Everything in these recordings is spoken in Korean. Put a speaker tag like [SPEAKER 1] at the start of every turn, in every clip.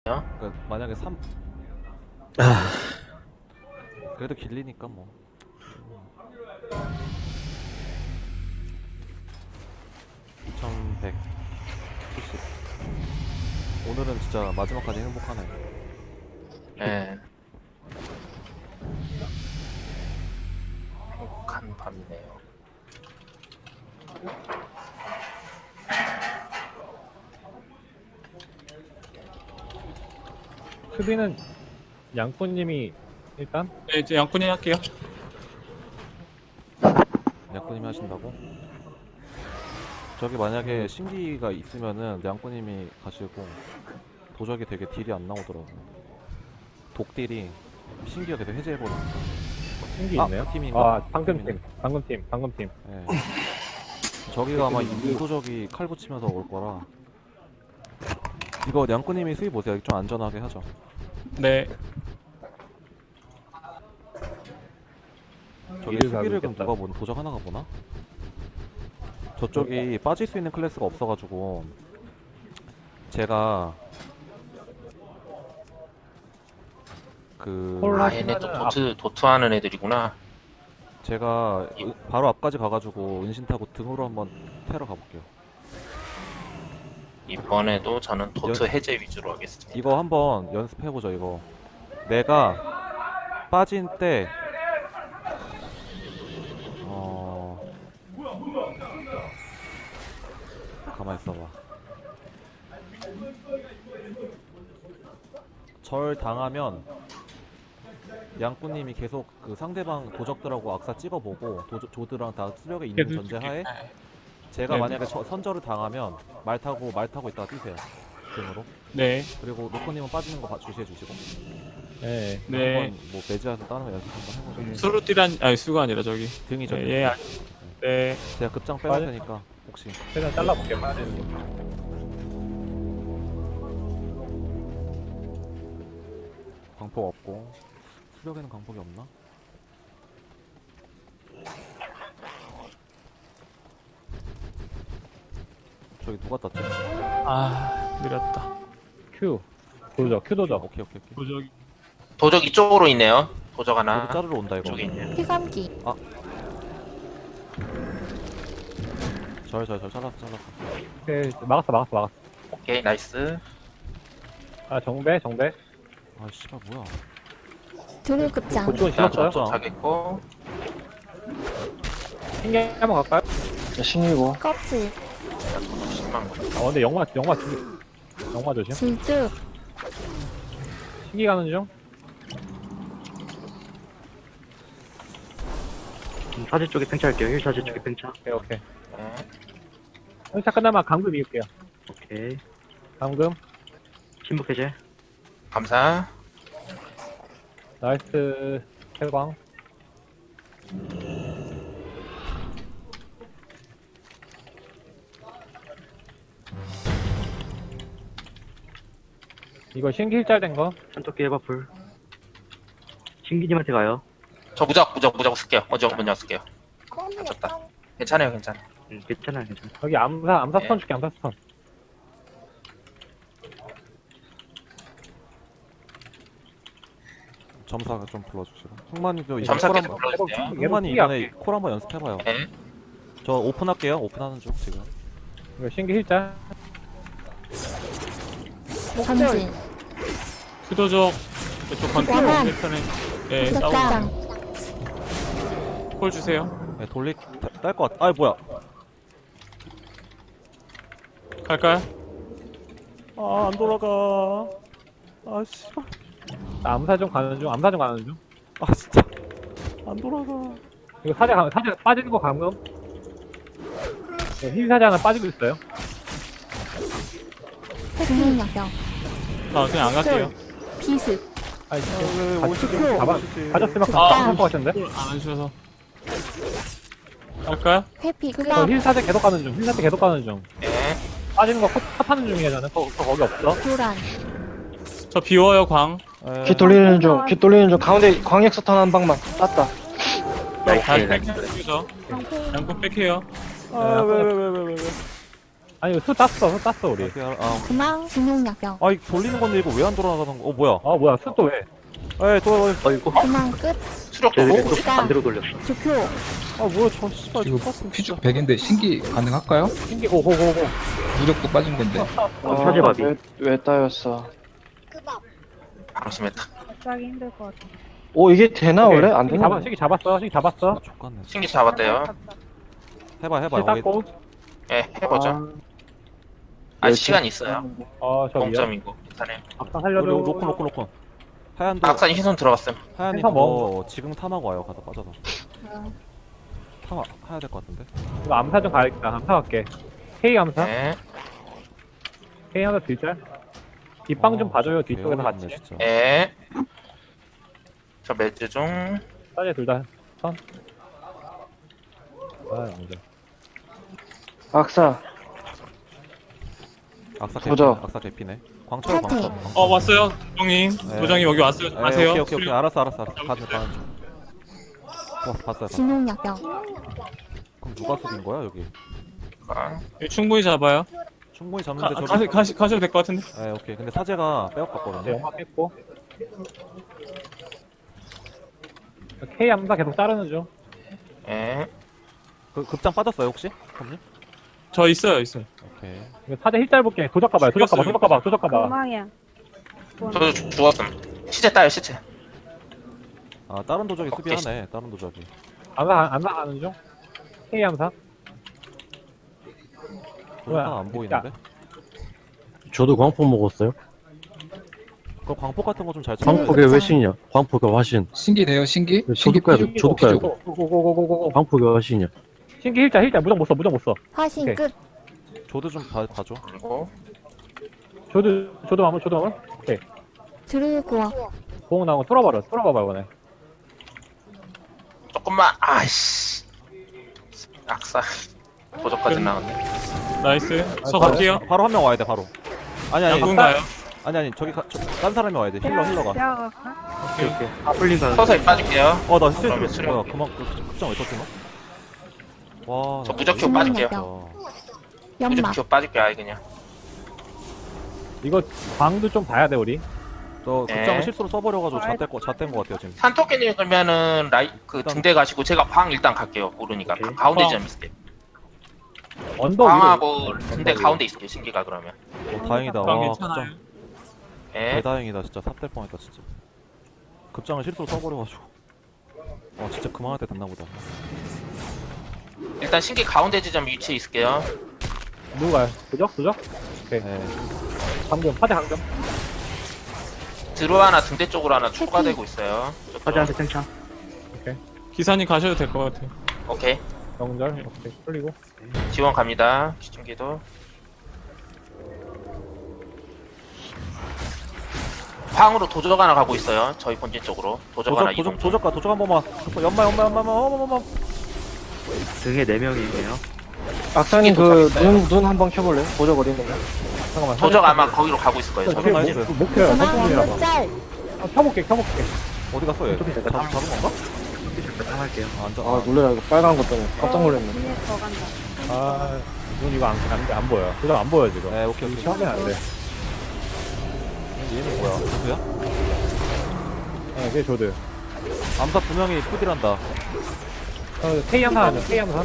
[SPEAKER 1] 그러니까 만약에 3
[SPEAKER 2] 아,
[SPEAKER 1] 그래도 길리니까 뭐 2170. 오늘은 진짜 마지막까지 행복하네.
[SPEAKER 3] 예. 행복한 밤이네요.
[SPEAKER 4] 수비는 양꾼님이 일단
[SPEAKER 5] 네, 이제 양꾼이 할게요.
[SPEAKER 1] 양꾼님이 하신다고? 저기 만약에 신기가 있으면은 양꾼님이 가시고, 도적이 되게 딜이 안 나오더라고. 독딜이 신기가 계속 해제해버리니까.
[SPEAKER 4] 신기
[SPEAKER 1] 아,
[SPEAKER 4] 있네요.
[SPEAKER 1] 그 팀인가?
[SPEAKER 4] 아,
[SPEAKER 1] 그
[SPEAKER 4] 방금팀,
[SPEAKER 1] 팀이네.
[SPEAKER 4] 방금팀.
[SPEAKER 1] 예. 저기가 아마 이도적이 칼 붙이면서 올 거라. 이거 양꾼님이 수비 보세요. 좀 안전하게 하죠.
[SPEAKER 5] 네.
[SPEAKER 1] 저기
[SPEAKER 4] 이를
[SPEAKER 1] 수비를 그럼
[SPEAKER 4] 가고
[SPEAKER 1] 누가 보나? 도적 하나가 보나? 저쪽이 빠질 수 있는 클래스가 없어가지고 제가 그
[SPEAKER 4] 콜
[SPEAKER 3] 얘네 또 도트 하는 애들이구나.
[SPEAKER 1] 제가 바로 앞까지 가가지고 은신 타고 등으로 한번 테러 가볼게요.
[SPEAKER 3] 이번에도 저는 도트 해제 위주로 하겠습니다.
[SPEAKER 1] 이거 한번 연습해보죠. 이거 내가 빠진 때 가만히 있어봐. 절 당하면 양꾼님이 계속 그 상대방 도적들하고 악사 찍어보고 조드랑 다 수력에 있는
[SPEAKER 5] 계속
[SPEAKER 1] 전제하에 제가
[SPEAKER 5] 네.
[SPEAKER 1] 만약에 선절을 당하면 말 타고 있다가 뛰세요. 등으로.
[SPEAKER 5] 네.
[SPEAKER 1] 그리고 로코님은 빠지는 거 주시해 주시고.
[SPEAKER 4] 네.
[SPEAKER 5] 네.
[SPEAKER 1] 한번 뭐 매지해서 다른 거 연습 한번 해보죠.
[SPEAKER 5] 수루띠란 아니 수가 아니라 저기.
[SPEAKER 1] 등이죠.
[SPEAKER 5] 네, 예. 네.
[SPEAKER 1] 제가 급장 빼놓을 테니까 혹시.
[SPEAKER 4] 최대한 잘라볼게요. 빠는
[SPEAKER 1] 광폭 없고 수력에는 광폭이 없나? 저기 누가 땄지?
[SPEAKER 5] 아, 느렸다.
[SPEAKER 4] Q. 큐 도적.
[SPEAKER 1] 오케이.
[SPEAKER 5] 도저기.
[SPEAKER 3] 도적 이쪽으로 있네요. 도적 하나.
[SPEAKER 1] 저기 자르러 온다 이거.
[SPEAKER 3] 이쪽에 있네요.
[SPEAKER 6] 피감기
[SPEAKER 1] 절 잘랐어.
[SPEAKER 4] 오케이, 막았어.
[SPEAKER 3] 오케이, 나이스.
[SPEAKER 4] 아, 정배.
[SPEAKER 1] 아 씨발 뭐야?
[SPEAKER 6] 등급장
[SPEAKER 4] 그쪽은
[SPEAKER 3] 일단
[SPEAKER 4] 실었어요.
[SPEAKER 3] 도착했고.
[SPEAKER 4] 신기 한번 갈까요?
[SPEAKER 6] 껍질
[SPEAKER 3] 도적 10만 원.
[SPEAKER 4] 아, 근데 영화 조심.
[SPEAKER 6] 질주
[SPEAKER 4] 신기 가는 중.
[SPEAKER 2] 사지 쪽에 팽차할게요. 힐 사지 쪽에 팽차.
[SPEAKER 4] 오케이.
[SPEAKER 3] 네.
[SPEAKER 4] 행차 끝나면 감금 이을게요.
[SPEAKER 2] 오케이.
[SPEAKER 4] 감금.
[SPEAKER 2] 침묵 해제.
[SPEAKER 3] 감사.
[SPEAKER 4] 나이스. 해광. 이거 신기 일짤 된 거.
[SPEAKER 2] 산토끼 해바풀. 신기님한테 가요.
[SPEAKER 3] 저 무적 쓸게요. 먼저 쓸게요. 다쳤다. 괜찮아요.
[SPEAKER 2] 괜찮아요.
[SPEAKER 4] 여기 암사
[SPEAKER 3] 네.
[SPEAKER 4] 스턴 줄게, 암사 스턴.
[SPEAKER 1] 점사가 좀 불러주시고. 흥만이도 이번에
[SPEAKER 3] 점사
[SPEAKER 1] 콜
[SPEAKER 3] 계속
[SPEAKER 1] 한번.
[SPEAKER 3] 불러주세요.
[SPEAKER 1] 흥만이 이번에 콜 한번 연습해봐요.
[SPEAKER 3] 네.
[SPEAKER 1] 저 오픈할게요. 오픈하는 중 지금.
[SPEAKER 4] 이거 신기 일짤.
[SPEAKER 6] 전진
[SPEAKER 5] 수도적 이쪽 건축
[SPEAKER 6] 양안.
[SPEAKER 5] 패턴에 네, 싸우고
[SPEAKER 6] 덕장
[SPEAKER 5] 콜 주세요.
[SPEAKER 1] 네, 딸것 같아. 아 뭐야?
[SPEAKER 5] 갈까요?
[SPEAKER 1] 아 안 돌아가. 아 씨발.
[SPEAKER 4] 나 암사 좀 가는 중.
[SPEAKER 1] 아 진짜 안 돌아가.
[SPEAKER 4] 이거 사자 빠지는 거 감금. 흰 사자 하나 빠지고 있어요.
[SPEAKER 6] 국민약병
[SPEAKER 5] 아, 그냥 안 갈게요.
[SPEAKER 6] 비습
[SPEAKER 4] 아니,
[SPEAKER 1] 왜 오시지?
[SPEAKER 4] 가졌으면
[SPEAKER 5] 아,
[SPEAKER 4] 감금할 것 같은데?
[SPEAKER 5] 안 해주셔서. 갈까요?
[SPEAKER 6] 회피
[SPEAKER 4] 저
[SPEAKER 6] 그다음
[SPEAKER 4] 흰 사자 계속 가는 중.
[SPEAKER 3] 네.
[SPEAKER 4] 빠지는 거 컷하는 중이야, 저는. 거기 없어.
[SPEAKER 6] 교란
[SPEAKER 5] 저 비워요, 광.
[SPEAKER 7] 귀 돌리는 중 가운데 광역 스턴 한 방만 땄다.
[SPEAKER 3] 나이스.
[SPEAKER 5] 잘 뺄게요. 양꾼 뺄게요.
[SPEAKER 1] 아왜
[SPEAKER 4] 아니 수 땄어 우리.
[SPEAKER 6] 그만 진용약병.
[SPEAKER 1] 아, 이 돌리는 건데 이거 왜 안 돌아가는 거? 뭐야?
[SPEAKER 4] 아 뭐야 수 또 왜?
[SPEAKER 1] 에이, 또,
[SPEAKER 2] 어이구.
[SPEAKER 6] 그만 끝.
[SPEAKER 3] 수력도
[SPEAKER 2] 쟤네
[SPEAKER 3] 뭐?
[SPEAKER 2] 또 반대로 돌렸어.
[SPEAKER 6] 주표.
[SPEAKER 1] 아, 뭐야, 저 씨발.
[SPEAKER 8] 이거
[SPEAKER 1] 똑같은
[SPEAKER 8] 피죽 100인데 신기 가능할까요?
[SPEAKER 4] 신기 고고고고.
[SPEAKER 8] 무력도 빠진 건데.
[SPEAKER 2] 사제밥이.
[SPEAKER 7] 왜 따였어?
[SPEAKER 3] 방심했다.
[SPEAKER 9] 갑자기 힘들 것 같아.
[SPEAKER 7] 오, 이게 되나, 원래? 안
[SPEAKER 4] 신기
[SPEAKER 7] 되나?
[SPEAKER 4] 신기 잡았어. 신기 잡았어.
[SPEAKER 1] 족같네.
[SPEAKER 3] 신기 잡았대요.
[SPEAKER 1] 해봐, 해봐.
[SPEAKER 4] 신기 땄고.
[SPEAKER 3] 예, 해보죠. 아직 시간 있어요.
[SPEAKER 4] 저 위야.
[SPEAKER 3] 0점이고. 괜찮아요.
[SPEAKER 4] 아까 살려줘.
[SPEAKER 1] 로콘. 하얀도,
[SPEAKER 3] 악산이 희손 들어갔음.
[SPEAKER 1] 하얀이
[SPEAKER 4] 해서
[SPEAKER 1] 그거 지금 탐하고 와요. 가다 빠져서. 해야 될 것 같은데.
[SPEAKER 4] 이거 암사 좀 가야겠다. 암사 갈게. K 암사.
[SPEAKER 3] 네.
[SPEAKER 4] K 암사 뒷짤. 뒷방 좀 봐줘요. 뒤쪽에서 같이.
[SPEAKER 1] 개어렵네, 진짜.
[SPEAKER 3] 예. 저 매주 중.
[SPEAKER 4] 사제 둘 다. 선. 아 양자.
[SPEAKER 7] 악사.
[SPEAKER 1] 악사
[SPEAKER 7] 도저.
[SPEAKER 1] 악사 개피네. 광철 광철.
[SPEAKER 5] 왔어요. 도정님.
[SPEAKER 1] 네.
[SPEAKER 5] 도정님 여기 왔어요.
[SPEAKER 1] 네,
[SPEAKER 5] 아세요?
[SPEAKER 1] 오케이. 알았어. 가는 중. 봤어요.
[SPEAKER 6] 진용약병.
[SPEAKER 1] 그럼 누가 속인 거야 여기?
[SPEAKER 3] 아,
[SPEAKER 5] 여기 충분히 잡아요.
[SPEAKER 1] 충분히 잡는데 저기.
[SPEAKER 5] 가셔도 될 것 같은데.
[SPEAKER 1] 네, 오케이. 근데 사제가
[SPEAKER 4] 네,
[SPEAKER 1] 빼앗겼거든요.
[SPEAKER 4] 영화 뺐고. K 암사 계속 자르는 중.
[SPEAKER 3] 예.
[SPEAKER 1] 그 급장 빠졌어요 혹시? 형님?
[SPEAKER 5] 저 있어요.
[SPEAKER 1] 오케이.
[SPEAKER 4] 이거 사제 힐짤 볼게. 도적 가봐요. 도적 가봐.
[SPEAKER 9] 금방이야.
[SPEAKER 3] 저도 죽었음. 시체 따요, 시체.
[SPEAKER 1] 아 다른 도적이
[SPEAKER 3] 오케이.
[SPEAKER 1] 수비하네. 다른 도적이.
[SPEAKER 4] 암사 가는 중. K 암사.
[SPEAKER 1] 도적 안 보이는데?
[SPEAKER 10] 저도 광폭 먹었어요.
[SPEAKER 1] 그 광폭 같은 거 좀 잘
[SPEAKER 10] 광폭의 외신이야. 광폭의 화신.
[SPEAKER 8] 신기 돼요 신기?
[SPEAKER 10] 저도
[SPEAKER 8] 신기
[SPEAKER 10] 가야
[SPEAKER 8] 피죽.
[SPEAKER 10] 돼. 저도 가야 돼.
[SPEAKER 4] 고고고고고고.
[SPEAKER 10] 광폭의 화신이야.
[SPEAKER 4] 신기 힐짤 무적 못 써.
[SPEAKER 6] 화신
[SPEAKER 4] 오케이.
[SPEAKER 6] 끝.
[SPEAKER 1] 조드 좀 봐줘.
[SPEAKER 3] 그리고
[SPEAKER 4] 조도 마물. 오케이.
[SPEAKER 6] 드루구워.
[SPEAKER 4] 보험 나온 거 뚫어봐봐 이번에.
[SPEAKER 3] 조금만. 아이씨. 악사. 도적까지 나왔네.
[SPEAKER 5] 나이스. 저 갈게요.
[SPEAKER 1] 바로 한 명 와야 돼 바로. 아니
[SPEAKER 5] 양궁 가요.
[SPEAKER 1] 아니 저기 딴 사람이 와야 돼. 힐러가.
[SPEAKER 9] 가
[SPEAKER 2] 오케이. 아플린 가.
[SPEAKER 3] 서서히 빠질게요.
[SPEAKER 1] 나 스트레스
[SPEAKER 3] 그러면
[SPEAKER 1] 뭐야?
[SPEAKER 3] 수령.
[SPEAKER 1] 그만 급장 왜 떴지 너? 와.
[SPEAKER 3] 저 무적큐 빠질게요.
[SPEAKER 6] 연막.
[SPEAKER 3] 무적큐 빠질게요, 아예 그냥.
[SPEAKER 4] 이거 광도 좀 봐야 돼 우리.
[SPEAKER 1] 저
[SPEAKER 3] 네.
[SPEAKER 1] 급장을 실수로 써버려가지고 잣된 거 같아요 지금.
[SPEAKER 3] 산토끼님 그러면은 등대 가시고 제가 광 일단 갈게요. 모르니까.
[SPEAKER 2] 오케이.
[SPEAKER 3] 가운데
[SPEAKER 5] 광.
[SPEAKER 3] 좀 있을게요.
[SPEAKER 4] 언덕 위로.
[SPEAKER 3] 광하고 등대 가운데 있을게요, 신기가 그러면.
[SPEAKER 1] 다행이다.
[SPEAKER 5] 그럼
[SPEAKER 1] 와
[SPEAKER 5] 괜찮아요.
[SPEAKER 1] 급장.
[SPEAKER 3] 예.
[SPEAKER 1] 대다행이다 진짜. 삽될 뻔했다 진짜. 급장을 실수로 써버려가지고. 진짜 그만할 때 됐나 보다.
[SPEAKER 3] 일단 신기 가운데 지점 위치에 있을게요.
[SPEAKER 4] 누가요? 도적?
[SPEAKER 1] 네.
[SPEAKER 4] 강경. 사제 강경.
[SPEAKER 3] 드루 하나 등대 쪽으로 하나 추가되고 있어요.
[SPEAKER 2] 사제한테 탱창.
[SPEAKER 5] 기사님 가셔도 될 것 같아요.
[SPEAKER 3] 오케이.
[SPEAKER 4] 영절. 오케이. 풀리고.
[SPEAKER 3] 지원 갑니다. 시중기도. 광으로 도적 하나 가고 있어요. 저희 본진 쪽으로. 도적 하나 이동.
[SPEAKER 1] 도적 한 번만. 연마.
[SPEAKER 2] 등에 4명이에요.
[SPEAKER 7] 악사님
[SPEAKER 3] 이게
[SPEAKER 7] 눈 한번 켜볼래요? 보적 어디 있는 거?
[SPEAKER 4] 잠깐만.
[SPEAKER 3] 도적 아마 거기로 가고 있을 거예요.
[SPEAKER 4] 저기
[SPEAKER 3] 저기.
[SPEAKER 4] 목표야.
[SPEAKER 6] 그만
[SPEAKER 4] 선풍이라봐.
[SPEAKER 6] 끝짤.
[SPEAKER 4] 켜볼게.
[SPEAKER 1] 어디 갔어 얘? 잡은 건가?
[SPEAKER 2] 잠깐 할게요.
[SPEAKER 1] 앉아.
[SPEAKER 7] 놀래라. 이거 빨간 것 때문에 깜짝 놀랐네.
[SPEAKER 9] 눈에 더 간다.
[SPEAKER 4] 눈 이거 안 보여. 도적 안 보여 지금.
[SPEAKER 1] 네 오케이.
[SPEAKER 4] 시험이 안 돼.
[SPEAKER 1] 얘는 뭐야? 조드야?
[SPEAKER 4] 네, 그게 조드.
[SPEAKER 1] 암사 2명이 푸딜한다.
[SPEAKER 4] K 암사 하죠. K 암사.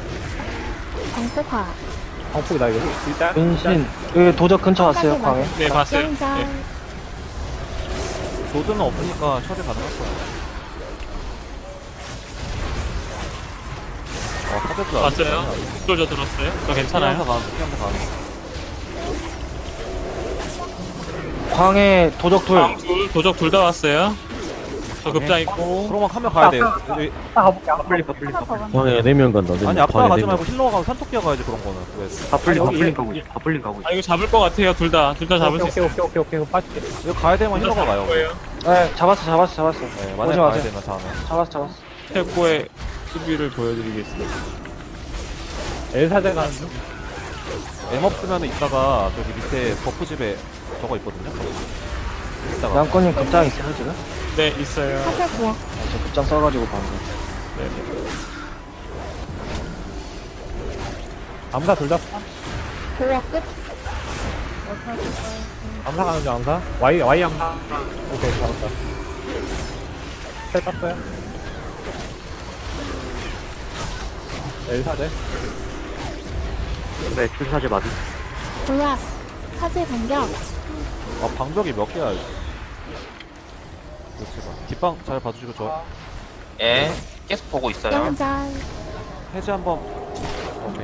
[SPEAKER 6] 광폭화.
[SPEAKER 4] 광폭이다 이거. 일단.
[SPEAKER 7] 근신. 그 도적 근처 왔어요, 광에.
[SPEAKER 5] 네, 봤어요.
[SPEAKER 6] 영절.
[SPEAKER 5] 네.
[SPEAKER 1] 조드는 없으니까 처리 가능할 거야. 사제도
[SPEAKER 5] 봤어요. 저 들었어요. 저 괜찮아요.
[SPEAKER 1] 피한테 가는.
[SPEAKER 7] 광에 도적
[SPEAKER 5] 도적 둘 다 왔어요. 저 급장 있고.
[SPEAKER 1] 그러면 한 명 가야 돼. 여기-
[SPEAKER 4] 가볼게.
[SPEAKER 2] 아플린
[SPEAKER 9] 하나 더 간다.
[SPEAKER 10] 광에 4명 간다.
[SPEAKER 1] 아니 앞서 가지 말고 힐러가 가고 산토끼가 가야지 그런 거는. 왜?
[SPEAKER 2] 바플린 가고 있어. 바플린 가고 있어.
[SPEAKER 5] 이거 잡을 것 같아요. 둘 다 잡을 수 있어요.
[SPEAKER 4] 오케이. 빠질게.
[SPEAKER 1] 여기 가야 되면 힐러가 가요.
[SPEAKER 5] 거예요.
[SPEAKER 7] 네, 잡았어.
[SPEAKER 1] 네, 만약에
[SPEAKER 7] 오지
[SPEAKER 1] 가야
[SPEAKER 7] 마세요.
[SPEAKER 1] 되면 다음에.
[SPEAKER 7] 잡았어.
[SPEAKER 5] 태고의 수비를 보여드리겠습니다.
[SPEAKER 4] 엘사제 가는 중.
[SPEAKER 1] M 없으면 이따가 저기 밑에 버프집에 저거 있거든요. 이따가
[SPEAKER 7] 양권님 급장 있어요, 지금?
[SPEAKER 5] 네, 있어요.
[SPEAKER 6] 사제 구워.
[SPEAKER 7] 저 급장 써가지고 방금.
[SPEAKER 5] 네.
[SPEAKER 4] 암사 둘 다.
[SPEAKER 6] 보호 끝.
[SPEAKER 4] 암사 가는 중 암사. Y 암사. 오케이 잡았다. 셀 땄어요. L4대.
[SPEAKER 2] 네, 출사제 맞은.
[SPEAKER 6] 보약. 사제 반격.
[SPEAKER 1] 아 방벽이 몇 개야? 그렇지가. 뒷방 잘 봐주시고 저
[SPEAKER 3] 예. 계속 보고 있어요.
[SPEAKER 6] 영절.
[SPEAKER 1] 해제 한번. 오케이.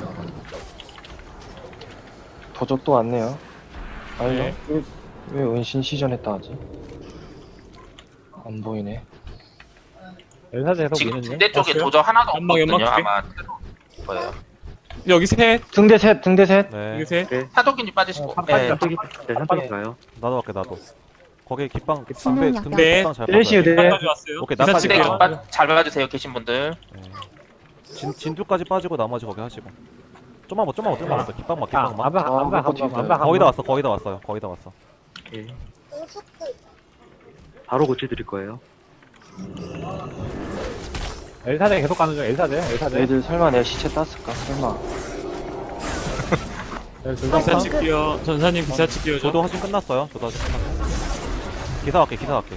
[SPEAKER 7] 도적도 왔네요. 아니,
[SPEAKER 4] 네.
[SPEAKER 7] 왜 은신 시전했다 하지? 안 보이네.
[SPEAKER 4] L4대 계속
[SPEAKER 3] 지금
[SPEAKER 4] 미는데.
[SPEAKER 3] 군대 쪽에
[SPEAKER 5] 봤어요?
[SPEAKER 3] 도적 하나도
[SPEAKER 5] 연막,
[SPEAKER 3] 없거든요.
[SPEAKER 5] 연막
[SPEAKER 3] 아마 거예요.
[SPEAKER 5] 여기 셋.
[SPEAKER 7] 등대 셋, 등대 셋.
[SPEAKER 1] 네.
[SPEAKER 5] 여기 셋.
[SPEAKER 3] 사도균이 빠지시고.
[SPEAKER 4] 어,
[SPEAKER 3] 예.
[SPEAKER 2] 산쪽이, 네, 산쪽이 가요.
[SPEAKER 1] 나도 할게 나도. 거기 깃방
[SPEAKER 6] 진호
[SPEAKER 1] 등대
[SPEAKER 6] 약간.
[SPEAKER 1] 등대
[SPEAKER 5] 네.
[SPEAKER 1] 깃방 잘
[SPEAKER 7] 네,
[SPEAKER 1] 봐줘요.
[SPEAKER 7] 네.
[SPEAKER 5] 까지 왔어요.
[SPEAKER 1] 오케이,
[SPEAKER 5] 기사
[SPEAKER 1] 나까지
[SPEAKER 3] 네,
[SPEAKER 5] 칠게요.
[SPEAKER 3] 잘 봐주세요. 계신 분들.
[SPEAKER 1] 네. 진두까지 빠지고 나머지 거기 하시고. 좀만 더 깃방만
[SPEAKER 4] 아,
[SPEAKER 1] 깃방만.
[SPEAKER 4] 암사
[SPEAKER 7] 아,
[SPEAKER 4] 암사
[SPEAKER 7] 못
[SPEAKER 4] 한 번. 암사 한
[SPEAKER 1] 거의 다
[SPEAKER 4] 번.
[SPEAKER 1] 왔어 거의 다 왔어요 거의 다 왔어.
[SPEAKER 2] 오케이. 바로 고쳐드릴 거예요.
[SPEAKER 4] L4대 계속 가는 중. L4대.
[SPEAKER 7] 애들 설마 내 시체 땄을까? 설마.
[SPEAKER 5] 기사
[SPEAKER 6] 어,
[SPEAKER 5] 칠게요. 전사님 기사 칠게요.
[SPEAKER 1] 저도 하신 끝났어요. 저도 하신 끝났어. 기사 갈게.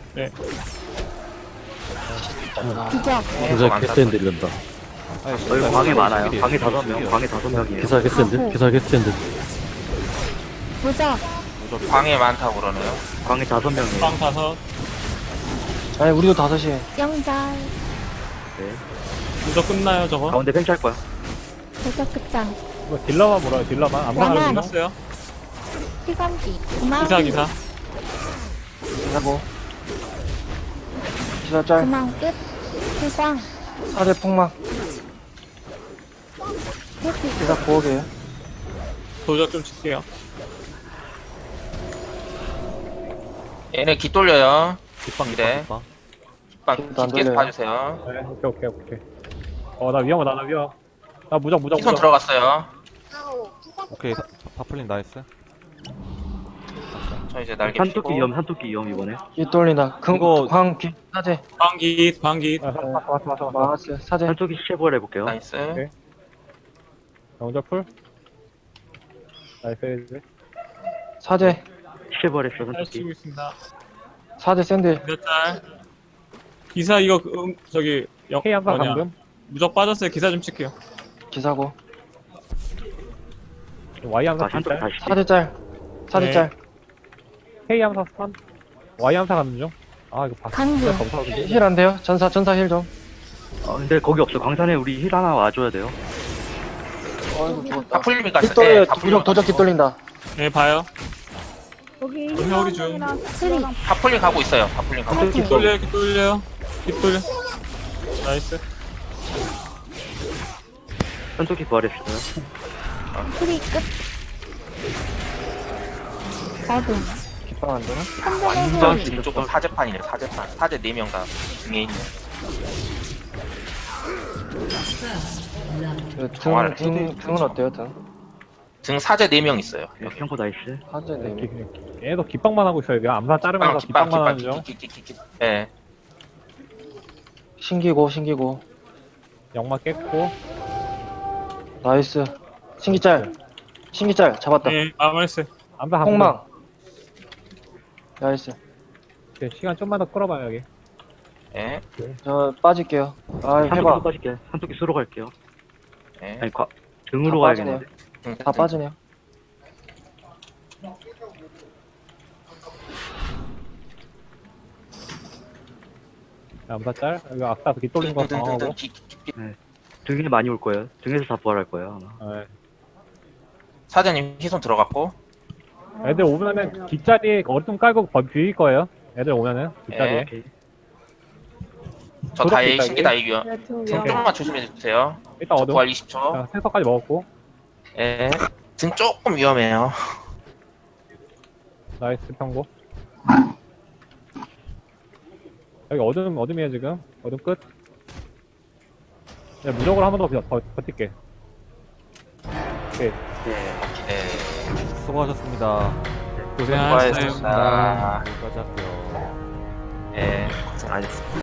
[SPEAKER 6] 비격.
[SPEAKER 10] 기사 개센드 이런다.
[SPEAKER 1] 아니,
[SPEAKER 2] 여기 방에 많아요.
[SPEAKER 1] 신기해요.
[SPEAKER 2] 방에 5명,
[SPEAKER 1] 신기해요.
[SPEAKER 2] 방에 5명이에요.
[SPEAKER 10] 기사 개센드? 기사 개센드.
[SPEAKER 6] 무적.
[SPEAKER 3] 방에 많다고 그러네요.
[SPEAKER 2] 방에 5명이에요.
[SPEAKER 5] 방 5.
[SPEAKER 7] 아니, 우리도 5시에.
[SPEAKER 6] 영절.
[SPEAKER 2] 네.
[SPEAKER 5] 무적 끝나요 저거.
[SPEAKER 2] 가운데 팽치할 거야.
[SPEAKER 6] 대적 급장.
[SPEAKER 4] 이거 딜러만 물어요. 딜러만. 암사
[SPEAKER 6] 양안.
[SPEAKER 4] 가는 중.
[SPEAKER 5] 끝났어요.
[SPEAKER 6] 피감기. 구망.
[SPEAKER 5] 기사.
[SPEAKER 7] 하고. 기사 짤.
[SPEAKER 6] 구망 끝. 필광.
[SPEAKER 7] 사대 폭망.
[SPEAKER 6] 회피.
[SPEAKER 7] 기사 부엌이에요.
[SPEAKER 5] 도적 좀 칠게요.
[SPEAKER 3] 얘네 기 돌려요.
[SPEAKER 1] 깃방
[SPEAKER 3] 네.
[SPEAKER 1] 깃방.
[SPEAKER 3] 깃방
[SPEAKER 7] 안
[SPEAKER 3] 계속
[SPEAKER 7] 돌려요.
[SPEAKER 3] 봐주세요.
[SPEAKER 4] 네, 오케이. 나 위험하다. 나 무적.
[SPEAKER 3] 희손 들어갔어요.
[SPEAKER 1] 오케이 바플린 나이스.
[SPEAKER 3] 저 이제 날개
[SPEAKER 2] 산토끼
[SPEAKER 3] 피고.
[SPEAKER 2] 산토끼 위험 이번에.
[SPEAKER 7] 이 돌린다.
[SPEAKER 1] 이거-
[SPEAKER 7] 광기. 사대.
[SPEAKER 5] 방기.
[SPEAKER 4] 왔어.
[SPEAKER 7] 마스. 사대.
[SPEAKER 2] 산토끼 시체 부활 해볼게요.
[SPEAKER 3] 나이스.
[SPEAKER 4] 오케이. 영절 풀. 나이스.
[SPEAKER 7] 사대.
[SPEAKER 2] 시체 부활했어,
[SPEAKER 5] 잘
[SPEAKER 2] 산토끼.
[SPEAKER 5] 치고 있습니다.
[SPEAKER 7] 사대 샌들.
[SPEAKER 5] 몇 달. 기사 이거 저기
[SPEAKER 4] K 암사
[SPEAKER 5] 뭐냐.
[SPEAKER 4] 감금.
[SPEAKER 5] 무적 빠졌어요. 기사 좀 칠게요.
[SPEAKER 7] 기사고.
[SPEAKER 4] Y 암사
[SPEAKER 2] 아, 산토끼
[SPEAKER 4] 딜짤.
[SPEAKER 2] 다시.
[SPEAKER 7] 사대 짤. 사대
[SPEAKER 5] 네.
[SPEAKER 7] 짤.
[SPEAKER 4] K 암사 스턴. Y 암사 가는 중. 아 이거 봤어.
[SPEAKER 6] 강구.
[SPEAKER 7] 힐 안 돼요? 전사 힐 좀.
[SPEAKER 2] 근데 거기 없어. 광산에 우리 힐 하나 와줘야 돼요.
[SPEAKER 7] 어이구 죽었다.
[SPEAKER 3] 바풀림이 갔어요.
[SPEAKER 7] 깃돌려.
[SPEAKER 3] 바풀림
[SPEAKER 7] 도적 깃돌린다.
[SPEAKER 5] 네 봐요.
[SPEAKER 9] 여기
[SPEAKER 5] 회오리 중.
[SPEAKER 9] 희망이랑
[SPEAKER 6] 스리.
[SPEAKER 3] 바풀림 가고 있어요. 바풀림 가고.
[SPEAKER 6] 파이팅.
[SPEAKER 5] 깃 돌려. 깃 돌려. 나이스.
[SPEAKER 2] 산토끼 부활했어요.
[SPEAKER 6] 스리 끝. 어둠.
[SPEAKER 7] 깃방 안 되나?
[SPEAKER 6] 선전의
[SPEAKER 3] 완전
[SPEAKER 6] 소리.
[SPEAKER 3] 등 쪽은 사제판이네. 사제 4명 다 등에 있네.
[SPEAKER 7] 등은 어때요, 등?
[SPEAKER 3] 등 사제 4명 있어요.
[SPEAKER 2] 네, 평코 나이스.
[SPEAKER 7] 사제 네.
[SPEAKER 4] 얘도 깃방만 하고 있어요. 그냥 암사 자르면서 깃방만 하는 중.
[SPEAKER 3] 예.
[SPEAKER 7] 신기고.
[SPEAKER 4] 영마 깼고.
[SPEAKER 7] 나이스. 신기짤 잡았다.
[SPEAKER 5] 네 마무리했어요.
[SPEAKER 4] 암사 한
[SPEAKER 7] 폭망. 나이스.
[SPEAKER 4] 오케이, 시간 좀만 더 끌어봐요 여기.
[SPEAKER 3] 예.
[SPEAKER 7] 저 빠질게요. 아,
[SPEAKER 2] 산토끼
[SPEAKER 7] 해봐.
[SPEAKER 2] 빠질게. 산토끼 수로 갈게요.
[SPEAKER 3] 예.
[SPEAKER 2] 아니, 등으로
[SPEAKER 7] 다 빠지네요.
[SPEAKER 2] 가야겠는데.
[SPEAKER 7] 다 빠지네요.
[SPEAKER 4] 암사 짤. 여기 아까 깃 돌린 거 당하고.
[SPEAKER 2] 등에 많이 올 거예요. 등에서 다 부활할 거예요, 아마.
[SPEAKER 4] 네.
[SPEAKER 3] 사제님 희손 들어갔고.
[SPEAKER 4] 애들 오면은 깃자리에 얼음 깔고 비일 거예요. 애들 오면은 깃자리에.
[SPEAKER 2] 오케이.
[SPEAKER 3] 저
[SPEAKER 4] 도덕
[SPEAKER 3] 다이
[SPEAKER 4] 있다,
[SPEAKER 3] 신기
[SPEAKER 4] 이게?
[SPEAKER 3] 다이고요.
[SPEAKER 9] 등
[SPEAKER 3] 등
[SPEAKER 9] 위험.
[SPEAKER 3] 조금만 조심해 주세요.
[SPEAKER 4] 일단 어둠.
[SPEAKER 3] 부활 20초.
[SPEAKER 4] 자, 생서까지 먹었고.
[SPEAKER 3] 예. 등 조금 위험해요.
[SPEAKER 4] 나이스 평고. 여기 어둠이에요 지금. 어둠 끝. 야, 무적으로 한 번 더 버틸게. 오케이.
[SPEAKER 3] 네.
[SPEAKER 1] 수고하셨습니다.
[SPEAKER 5] 고생하셨어요.
[SPEAKER 3] 수고하셨습니다.
[SPEAKER 1] 여기까지 할게요.
[SPEAKER 3] 예. 고생하셨습니다.